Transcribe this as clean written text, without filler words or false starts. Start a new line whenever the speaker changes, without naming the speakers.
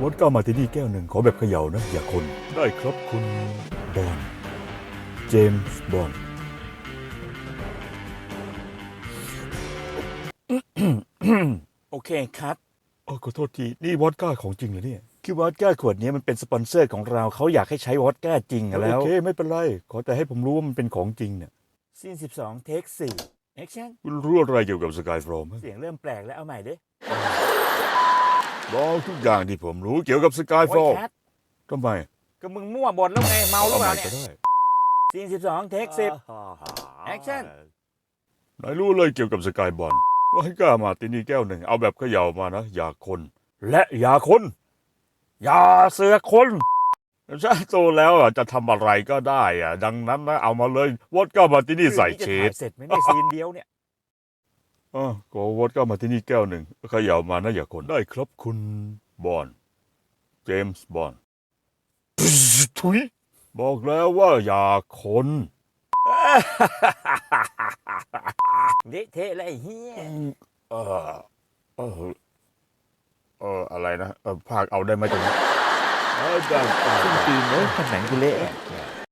วอดก้ามาร์ตินี่แก้วหนึ่งขอแบบเขย่านะอย่าคนได้ครับคุณบอนด์เจมส์บอนด์
โอเคครับ
ขอโทษทีนี่วอดก้าของจริงเหรอเนี่ย
คือวอดก้าขวดนี้มันเป็นสปอนเซอร์ของเราเขาอยากให้ใช้วอดก้าจริงอะแล้ว
โอเคไม่เป็นไรขอแต่ให้ผมรู้ว่ามันเป็นของจริงเนี่ย
ซีน12 เทค 4 แอคชั่น
คุณรู้อะไรเกี่ยวกับสกายฟลอม
เสียงเริ่มแปลกแล้วเอาใหม่ดิ
บอกทุกอย่างที่ผมรู้เกี่ยวกับสกายฟล
โอ้
อย ม
แคท
ทำไม
ก็มึงมั่วบทแล้วไงเมาหรือ
เอา
เป
ให
ล่า
ม่
เนี่
ก็
ย
ได้
ซีน12 เทค 10 แอคชั่น
นายรู้เลยเกี่ยวกับสกายบอลวอดก้ามาร์ตินี่แก้วหนึ่งเอาแบบเขย่ามานะอย่าคน และอย่าคนอย่าเสือกคนฉันโตแล้วจะทำอะไรก็ได้ดังนั้นนะเอามาเลยวอดก้ามาร์ตินี่ใส่เช
รื่องนี้จะถ่า
ด
ยเสร็จไหมเนี่ยซีนเดียวเนี่ย
ก็วอดก้ามาร์ตินี่แก้วหนึ่งเขย่ามานะอย่าคนได้ครับคุณบอนด์เจมส์บอนด์ทุยบอกแล้วว่าอย่าคน
เละเทะเลยไอ้เฮีย
เออเอออะไรนะภาคเอาได้ไหมตรงนี้ได้
ตีนเลยหนังกูเละ